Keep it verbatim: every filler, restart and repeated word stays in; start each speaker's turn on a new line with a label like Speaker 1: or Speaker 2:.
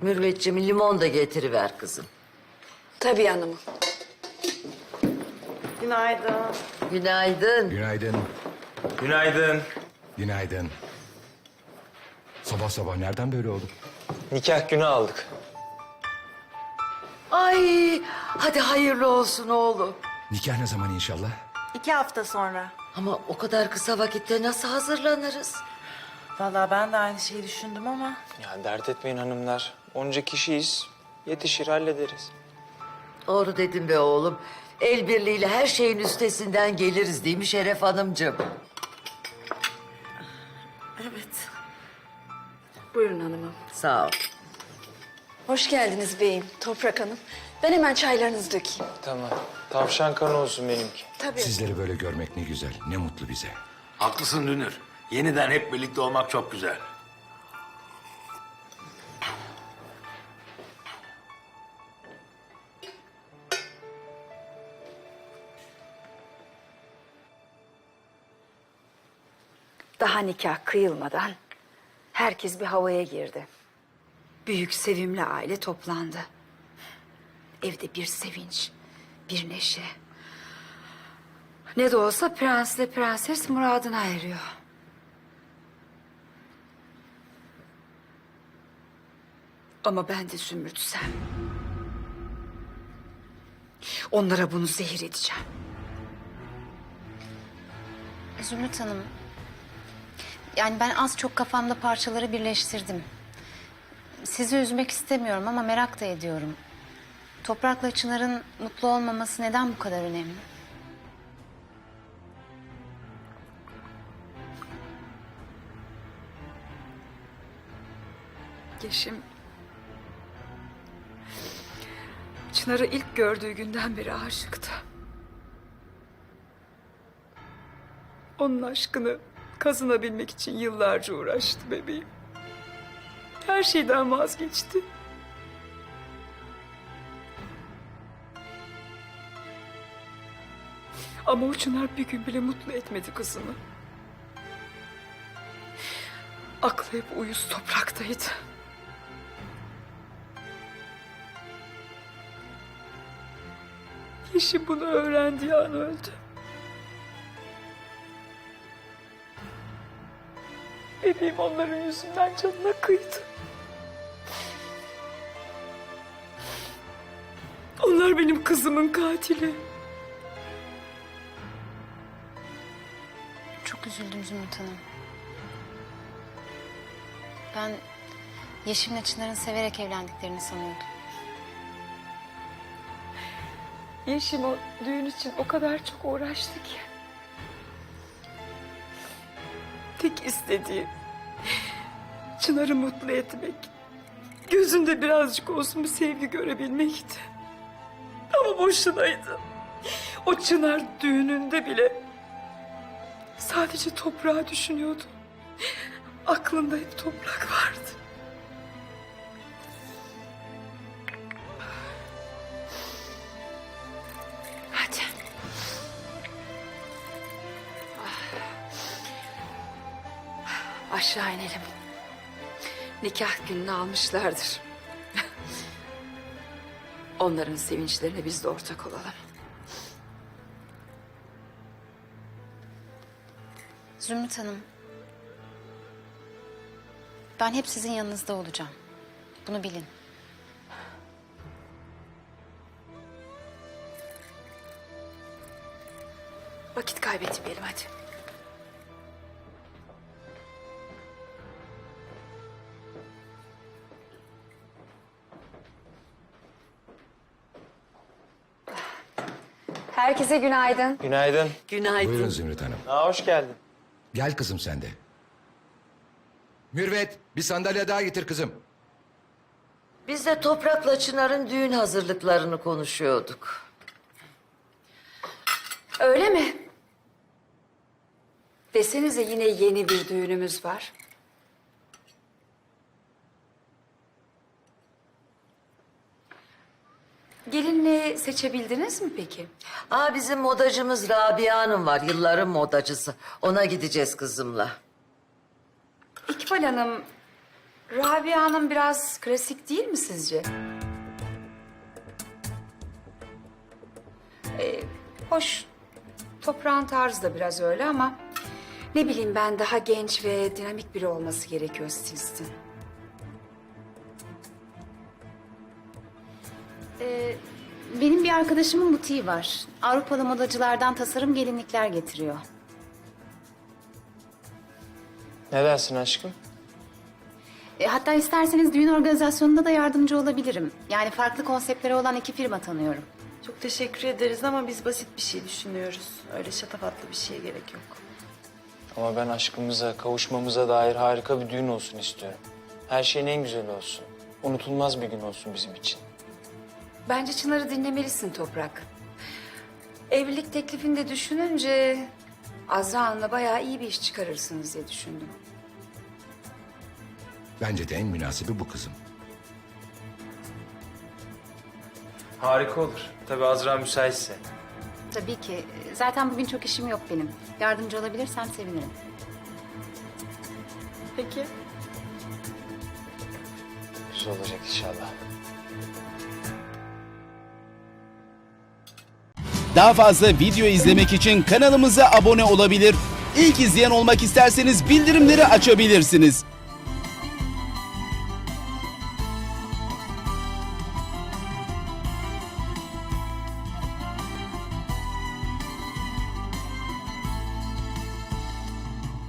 Speaker 1: Mürvetciğim limon da getiriver kızım.
Speaker 2: Tabii hanımım.
Speaker 3: Günaydın.
Speaker 1: Günaydın.
Speaker 4: Günaydın.
Speaker 5: Günaydın.
Speaker 4: Günaydın. Sabah sabah nereden böyle oldu?
Speaker 5: Nikah günü aldık.
Speaker 1: Ay hadi hayırlı olsun oğlum.
Speaker 4: Nikah ne zaman inşallah?
Speaker 3: İki hafta sonra.
Speaker 1: Ama o kadar kısa vakitte nasıl hazırlanırız?
Speaker 3: Vallahi ben de aynı şeyi düşündüm ama...
Speaker 5: Ya dert etmeyin hanımlar. Onca kişiyiz. Yetişir hallederiz.
Speaker 1: Doğru dedin be oğlum. El birliğiyle her şeyin üstesinden geliriz değil mi Şeref Hanımcığım?
Speaker 3: Evet.
Speaker 2: Buyurun hanımım.
Speaker 1: Sağ ol.
Speaker 2: Hoş geldiniz beyim, Toprak Hanım. Ben hemen çaylarınızı dökeyim.
Speaker 5: Tamam. Tavşan kanı olsun benimki.
Speaker 2: Tabii.
Speaker 4: Sizleri böyle görmek ne güzel, ne mutlu bize.
Speaker 6: Haklısın Dünür. Yeniden hep birlikte olmak çok güzel.
Speaker 2: Daha nikah kıyılmadan herkes bir havaya girdi. Büyük sevimli aile toplandı. Evde bir sevinç, bir neşe. Ne de olsa prensle prenses muradına eriyor. Ama ben de Zümrüt'sem... onlara bunu zehir edeceğim.
Speaker 7: Zümrüt Hanım, yani ben az çok kafamda parçaları birleştirdim. Sizi üzmek istemiyorum ama merak da ediyorum. Toprak'la Çınar'ın mutlu olmaması neden bu kadar önemli?
Speaker 2: Yeşim... Çınar'ı ilk gördüğü günden beri aşıktı. Onun aşkını kazanabilmek için yıllarca uğraştı bebeğim. Her şeyden vazgeçti. Ama o Çınar bir gün bile mutlu etmedi kızını. Aklı hep uyuz topraktaydı. Yeşim bunu öğrendiği an öldü. Bebeğim onların yüzünden canına kıydı. Onlar benim kızımın katili.
Speaker 7: Çok üzüldüm Zümrüt Hanım. Ben Yeşim'le Çınar'ın severek evlendiklerini sanıyordum.
Speaker 2: Yeşim o düğün için o kadar çok uğraştı ki. Tek istediği Çınar'ı mutlu etmek. Gözünde birazcık olsun bir sevgi görebilmekti. Ama boşunaydı. O Çınar düğününde bile sadece toprağı düşünüyordu. Aklında hep toprak vardı. Hadi. Aşağı inelim. Nikah gününü almışlardır. Onların sevinçlerine biz de ortak olalım.
Speaker 7: Zümrüt Hanım, ben hep sizin yanınızda olacağım. Bunu bilin.
Speaker 2: Vakit kaybetmeyelim hadi. Herkese günaydın.
Speaker 5: Günaydın.
Speaker 1: Günaydın.
Speaker 4: Buyurun Zümrüt Hanım.
Speaker 5: Aa, hoş geldin.
Speaker 4: Gel kızım sen de. Mürvet, bir sandalye daha getir kızım.
Speaker 1: Biz de Toprak'la Çınar'ın düğün hazırlıklarını konuşuyorduk.
Speaker 2: Öyle mi? Desenize yine yeni bir düğünümüz var. Gelinliği seçebildiniz mi peki?
Speaker 1: Aa bizim modacımız Rabia Hanım var. Yılların modacısı. Ona gideceğiz kızımla.
Speaker 2: İkbal Hanım
Speaker 8: Rabia Hanım biraz klasik değil mi sizce? Ee, hoş, toprağın tarzı da biraz öyle ama... Ne bileyim ben daha genç ve dinamik biri olması gerekiyor stilistin.
Speaker 7: Ee, benim bir arkadaşımın butiği var. Avrupalı modacılardan tasarım gelinlikler getiriyor.
Speaker 5: Ne dersin aşkım?
Speaker 7: E, hatta isterseniz düğün organizasyonunda da yardımcı olabilirim. Yani farklı konseptleri olan iki firma tanıyorum.
Speaker 3: Çok teşekkür ederiz ama biz basit bir şey düşünüyoruz. Öyle şatafatlı bir şeye gerek yok.
Speaker 5: Ama ben aşkımıza, kavuşmamıza dair harika bir düğün olsun istiyorum. Her şeyin en güzeli olsun. Unutulmaz bir gün olsun bizim için.
Speaker 8: Bence Çınar'ı dinlemelisin Toprak. Evlilik teklifini de düşününce... Azra Hanım'la bayağı iyi bir iş çıkarırsınız diye düşündüm.
Speaker 4: Bence de en münasibi bu kızım.
Speaker 5: Harika olur. Tabii Azra müsaitse.
Speaker 7: Tabii ki. Zaten bugün çok işim yok benim. Yardımcı olabilirsem sevinirim.
Speaker 3: Peki.
Speaker 5: Güzel olacak inşallah.
Speaker 9: Daha fazla video izlemek için kanalımıza abone olabilir. İlk izleyen olmak isterseniz bildirimleri açabilirsiniz.